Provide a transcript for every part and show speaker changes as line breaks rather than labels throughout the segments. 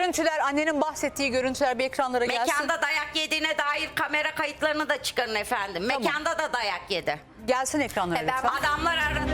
görüntüler, annenin bahsettiği görüntüler bir ekranlara gelsin.
Mekanda dayak yediğine dair kamera kayıtlarını da çıkarın efendim.
Tamam.
Mekanda da dayak yedi.
Gelsin ekranlara lütfen.
Adamlar aradı.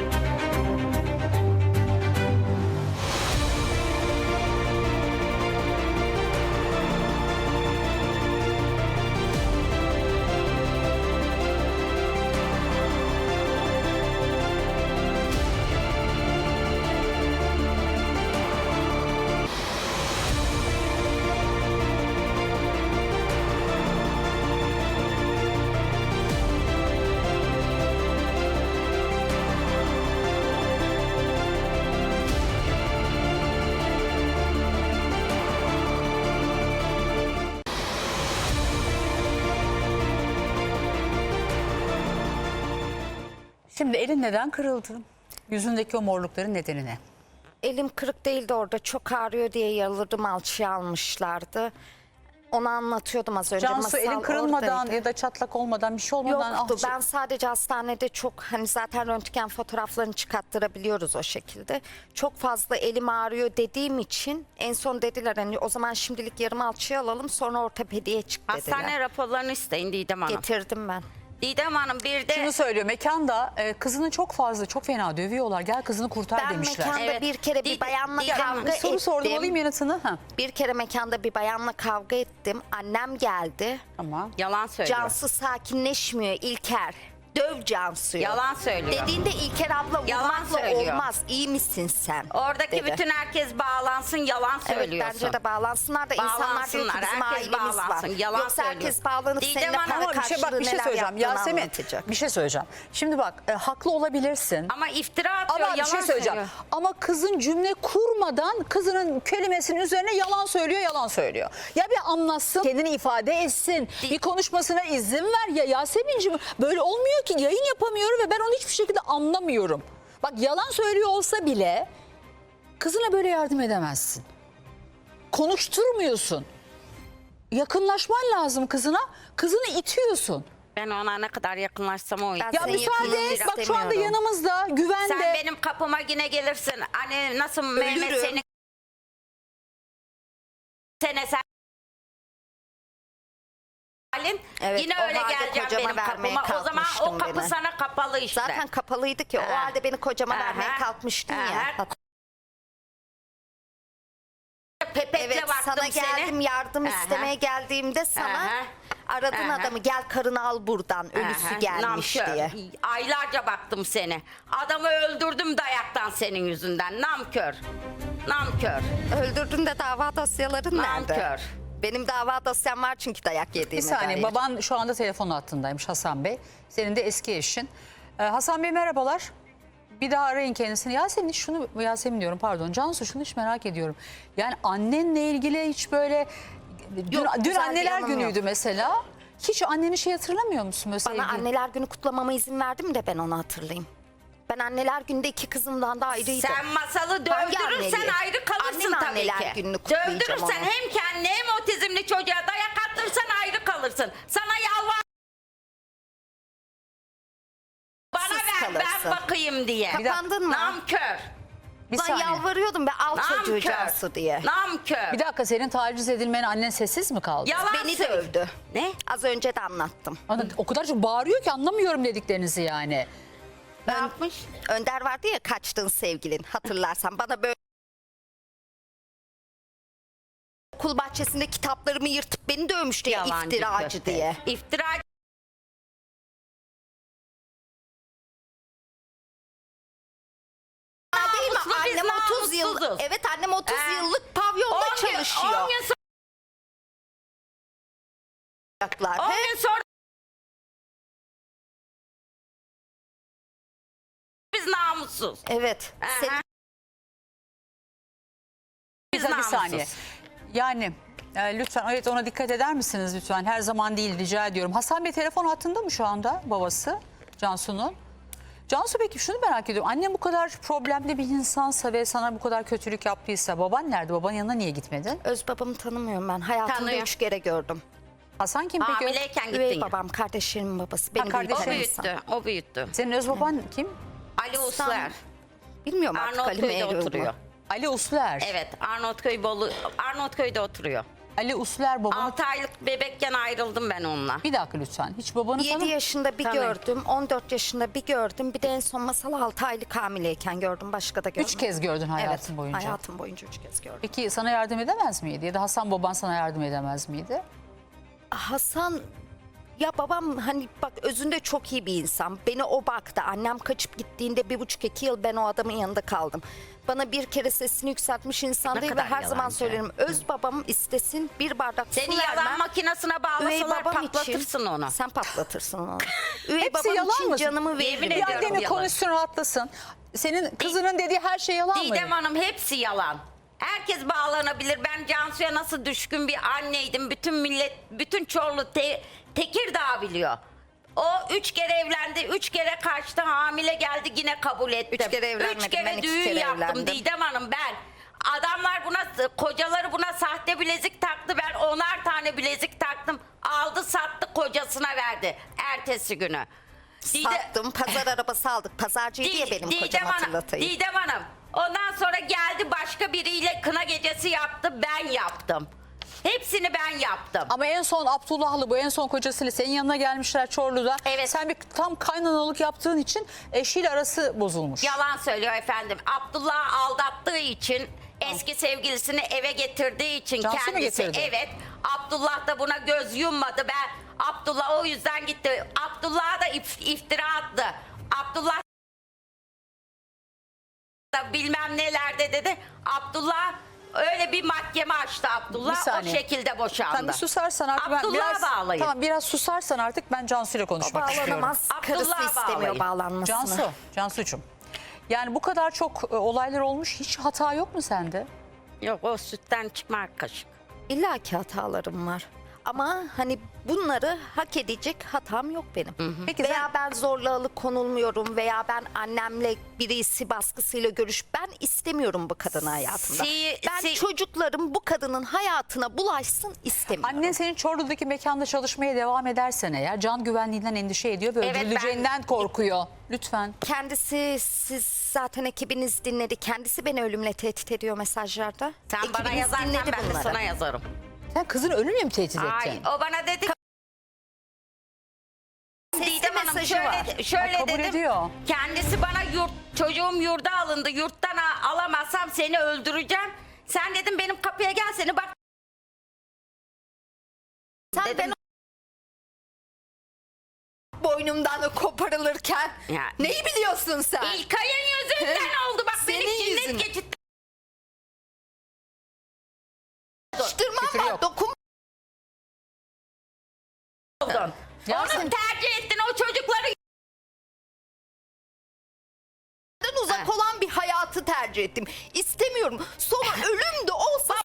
Şimdi elin neden kırıldı? Yüzündeki o morlukların nedeni ne?
Elim kırık değildi, orada çok ağrıyor diye yalırdım, alçıya almışlardı. Onu anlatıyordum az önce.
Cansu, elin kırılmadan
oradaydı.
ya da çatlak olmadan, bir şey olmadan...
Yoktu. Ben sadece hastanede çok, hani zaten röntgen fotoğraflarını çıkarttırabiliyoruz o şekilde. Çok fazla elim ağrıyor dediğim için en son dediler hani o zaman şimdilik yarım alçıya alalım, sonra ortopediye çık dediler.
Hastane raporlarını isteyin Didem Hanım.
Getirdim ben.
Didem Hanım bir de...
Şunu söylüyor, mekanda kızını çok fena dövüyorlar. Gel kızını kurtar
Ben
demişler.
mekanda
Evet.
bir kere bir bayanla
Didem Hanım,
kavga
Bir soru sordum,
ettim.
alayım yanıtını. Ha.
Bir kere mekanda bir bayanla kavga ettim. Annem geldi.
Tamam.
Yalan söylüyor.
Cansu sakinleşmiyor İlker. Döv Cansu'yu.
Yalan söylüyor.
Dediğinde İlker abla
Yalan
vurmakla
söylüyor.
olmaz. İyi misin sen?
Oradaki
dedi.
bütün herkes bağlansın, yalan
Evet,
söylüyorsun.
bence de bağlansınlar da insanlar diyor ki
Bağlansınlar,
bizim
herkes
ailemiz
bağlansın.
var.
Yalan
Yoksa herkes
söylüyor.
bağlanıp
Didem
seninle
Hanım,
para
Ama bir şey
karşılığı neler
söyleyeceğim.
yaptığını
Yasemin,
anlatacak.
bir şey söyleyeceğim. Şimdi bak, haklı olabilirsin.
Ama iftira atıyor,
Ama bir
yalan
şey söyleyeceğim.
söylüyor.
Ama kızın cümle kurmadan kızının kelimesinin üzerine yalan söylüyor. Ya bir anlatsın, kendini ifade etsin. Bir konuşmasına izin ver. Ya Yasemin'ciğim, böyle olmuyor ki, yayın yapamıyorum ve ben onu hiçbir şekilde anlamıyorum. Bak, yalan söylüyor olsa bile kızına böyle yardım edemezsin. Konuşturmuyorsun. Yakınlaşman lazım kızına. Kızını itiyorsun.
Ben ona ne kadar yakınlaşsam o.
Ben
Ya
Senin
müsaade
yakınlığını
et. Bak, şu anda
istemiyorum.
yanımızda, güvende.
Sen benim kapıma yine gelirsin. Hani nasıl Mehmet
Ölürüm.
seni... Sen...
Evet,
yine
o
öyle
halde
geleceğim
kocama
benim
vermeye
kapıma. O zaman o
kalkmıştın
kapı
beni.
sana kapalı işte.
Zaten kapalıydı ki. O
Aha.
halde beni kocama
Aha.
vermeye kalkmıştın ya.
Aha. Pepekle
Evet,
baktım
sana geldim
seni.
yardım
Aha.
istemeye geldiğimde sana
Aha.
aradın
Aha.
adamı, gel karını al buradan, ölüsü
Aha,
gelmiş
namkör.
diye.
Aylarca baktım seni. Adamı öldürdüm dayaktan senin yüzünden. Namkör. Namkör.
Öldürdün de dava dosyaların nerede?
Nankör.
Benim dava dosyam var çünkü dayak
Bir
yediğime
saniye,
dair.
baban şu anda telefon hattındaymış, Hasan Bey. Senin de eski eşin. Hasan Bey merhabalar. Bir daha arayın kendisini. Yasemin diyorum, pardon. Cansu, şunu hiç merak ediyorum. Yani annenle ilgili hiç böyle...
Yok,
dün
güzel bir
anneler
yanım
günüydü
yok.
mesela. Hiç anneni hatırlamıyor musun? Mesela
Bana anneler günü kutlamama izin verdim de ben onu hatırlayayım. Ben anneler günde iki kızımdan da ayrıydım.
Sen masalı
Hangi
dövdürürsen
anneliği?
ayrı kalırsın
Annem
tabii
anneler
ki.
gününü kutlayacağım
Dövdürürsen
onu.
hem kendine hem otizmli çocuğa dayak attırsan ayrı kalırsın. Sana yalvar. Bana
Sus
ver ben
kalırsın.
bakayım diye.
Kapandın mı?
Namkör.
bir
Ben
saniye.
yalvarıyordum be, al çocuğu
Namkör.
Cansu diye.
Namkör.
Bir dakika, senin taciz edilmene annen sessiz mi kaldı?
Yalan
Beni
söyle.
dövdü.
Ne?
Az önce de anlattım.
O kadar çok bağırıyor ki anlamıyorum dediklerinizi yani.
Ne yapmış?
Önder vardı ya, kaçtığın sevgilin, hatırlarsan bana böyle okul bahçesinde kitaplarımı yırtıp beni dövmüştü ya,
Yalancı
iftiracı
köpek.
diye.
İftira.
Değil mi?
Namuslu, biz
Annem 30 yıl,
namussuzuz.
evet annem 30
He.
yıllık pavyonda
10 gün
çalışıyor.
10 gün sonra biz namussuz.
Evet.
Aha.
Senin
Biz
Bir
namussuz.
saniye. Yani lütfen, evet, ona dikkat eder misiniz lütfen? Her zaman değil, rica ediyorum. Hasan Bey telefon hattında mı şu anda, babası Cansu'nun? Cansu, peki şunu merak ediyorum. Annem bu kadar problemli bir insansa ve sana bu kadar kötülük yaptıysa baban nerede? Babanın yanına niye gitmedin?
öz babamı tanımıyorum ben. Hayatımda
Tanıyor.
3 kere gördüm.
Hasan kim peki?
Hamileyken
Üvey
gittin.
babam, kardeşlerimin babası. Beni
kardeşin.
O
büyüten insan.
büyüttü. O büyüttü.
Senin öz baban kim?
Ali Uslar.
Bilmiyorum artık Ali
Arnavutköy'de
Mehri
oturuyor.
Ali Usler.
Evet, Arnavutköy'de oturuyor.
Ali Usler babanı...
6 aylık bebekken ayrıldım ben onunla.
Bir dakika lütfen. Hiç babanı
7 yaşında bir
Tanıyorum.
gördüm, 14 yaşında bir gördüm. Bir de en son Masal 6 aylık hamileyken gördüm. Başka da görmedim.
3 kez gördün hayatın
Evet,
boyunca.
hayatım boyunca 3 kez gördüm.
Peki sana yardım edemez miydi? Ya da Hasan baban sana yardım edemez miydi?
Hasan, ya babam hani bak özünde çok iyi bir insan. Beni o baktı. Annem kaçıp gittiğinde 1,5-2 yıl ben o adamın yanında kaldım. Bana bir kere sesini yükseltmiş insan
Ne
değil ve
kadar
her zaman
yalancı.
söylerim. Öz babam istesin bir bardak su
Seni
vermem.
yalan makinesine bağlasalar patlatırsın onu.
Sen patlatırsın onu. Üvey
Hepsi
babam
yalan
için
mı?
canımı
Yemin
veririm.
Bir
ediyorum
annemi
yalan.
konuşsun rahatlasın. Senin kızının dediği her şey yalan mı?
Didem Hanım hepsi yalan. Herkes bağlanabilir. Ben Cansu'ya nasıl düşkün bir anneydim. Bütün millet, bütün Çorlu, Tekirdağ biliyor. O 3 kere evlendi, 3 kere kaçtı, hamile geldi yine kabul ettim.
3 kere evlenmedim,
3 kere
ben 2
düğün
kere
yaptım
evlendim.
Didem Hanım ben. Adamlar buna, kocaları buna sahte bilezik taktı. Ben 10'ar tane bilezik taktım. Aldı sattı kocasına verdi ertesi günü.
Sattım. Pazar arabası aldık. Pazarcıydı ya benim kocam, hatırlatayım.
Didem Hanım. Ondan sonra geldi başka biriyle kına gecesi yaptı. Ben yaptım. Hepsini ben yaptım.
Ama en son Abdullah'lı bu en son kocasıyla senin yanına gelmişler Çorlu'da.
Evet.
Sen bir tam kaynanalık yaptığın için eşiyle arası bozulmuş.
Yalan söylüyor efendim. Abdullah aldattığı için, eski sevgilisini eve getirdiği için
Cansu mu
kendisi.
getirdi?
Evet. Abdullah da buna göz yummadı. Abdullah o yüzden gitti. Abdullah'a da iftira attı. Abdullah da bilmem nelerde dedi. Abdullah öyle bir mahkeme açtı
Bir
Abdullah. O
saniye.
şekilde boşandı.
Sen bir susarsan artık ben
Abdullah'a
biraz
bağlayın.
tamam biraz susarsan artık ben Cansu'yla
O
konuşmak istiyorum.
bağlanamaz. Karısı
Abdullah'a
istemiyor
bağlayın.
bağlanmasını.
Cansu'cum. Yani bu kadar çok olaylar olmuş. Hiç hata yok mu sende?
Yok, o sütten çıkma kaşık.
İlla ki hatalarım var. Ama hani bunları hak edecek hatam yok benim.
Peki
Veya ben zorla alıkonulmuyorum veya ben annemle birisi baskısıyla ben istemiyorum bu kadını hayatımda. Ben çocuklarım bu kadının hayatına bulaşsın istemiyorum.
Annen senin Çorlu'daki mekanda çalışmaya devam edersen eğer can güvenliğinden endişe ediyor ve
Evet,
öldürüleceğinden korkuyor. Lütfen.
Kendisi, siz zaten ekibiniz dinledi. Kendisi beni ölümle tehdit ediyor mesajlarda.
Sen bana
Ekibiniz
yazarsan
dinledi
ben de
bunları.
sana yazarım.
Sen kızını ölümle mi tehdit ettin?
Ay, o bana dedi
Sesli
Didem Hanım
mesajı var.
şöyle
Ha, kabul
dedim.
ediyor.
Kendisi bana çocuğum yurda alındı. Yurttan alamazsam seni öldüreceğim. Sen dedim benim kapıya gel seni bak.
Sen
Dedim.
boynumdan koparılırken
Ya.
neyi biliyorsun sen?
İlkay'ın yüzünden oldu. Bak
Senin
beni cinnet
yüzünden.
geçirtti.
Açtırmam
Küfür
var.
yok.
Dokun.
Yasemin-
Onu tercih ettin o çocukları.
Uzak olan bir hayatı tercih ettim. İstemiyorum. Sonra ölüm de olsa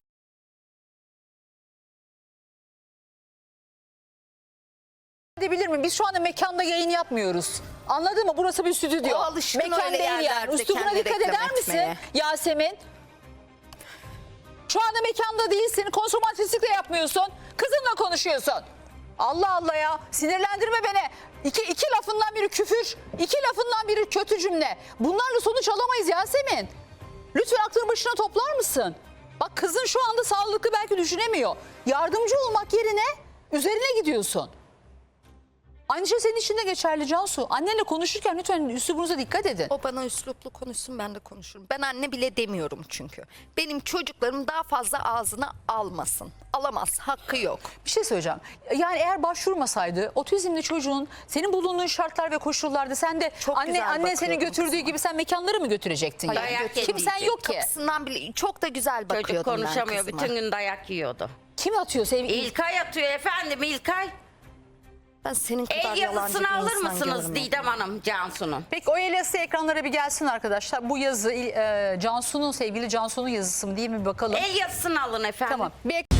Edebilir mi? Biz şu anda mekanda yayın yapmıyoruz. Anladın mı? Burası bir stüdyo.
O alışkın
Mekan
öyle
değil yani.
yerlerde
Üslubuna
kendini
dikkat
reklam
eder misin
etmeye.
Yasemin? Şu anda mekanda değilsin. Konsomatrislik de yapmıyorsun. Kızınla konuşuyorsun. Allah Allah ya. Sinirlendirme beni. İki lafından biri küfür. İki lafından biri kötü cümle. Bunlarla sonuç alamayız Yasemin. Lütfen aklını başına toplar mısın? Bak kızın şu anda sağlıklı belki düşünemiyor. Yardımcı olmak yerine üzerine gidiyorsun. Aynı şey senin için de geçerli Cansu. Annenle konuşurken lütfen üslubunuza dikkat edin.
o bana üsluplu konuşsun, ben de konuşurum. Ben anne bile demiyorum çünkü. Benim çocuklarım daha fazla ağzına almasın. Alamaz, hakkı yok.
Bir şey söyleyeceğim. Yani eğer başvurmasaydı otizmli çocuğun senin bulunduğun şartlar ve koşullarda sen de
Çok güzel
annen seni
bakıyordum
götürdüğü
kızıma.
gibi sen mekanları mı götürecektin?
Hayır,
yani?
dayak
Kimsen
yediyecek.
yok ki.
Kapısından bile çok da güzel
Çocuk
bakıyordum ben
konuşamıyor.
kızıma.
Bütün gün dayak yiyordu.
Kim atıyor sevgili?
İlkay atıyor efendim İlkay.
Ben senin kadar
El
yalancı
yazısını
bir
alır
insan
mısınız
görmedim.
Didem Hanım Cansu'nun?
Peki o el yazısı ekranlara bir gelsin arkadaşlar. Bu yazı Cansu'nun sevgili Cansu'nun yazısı mı değil mi bir bakalım.
El yazısını alın efendim.
Tamam. Bir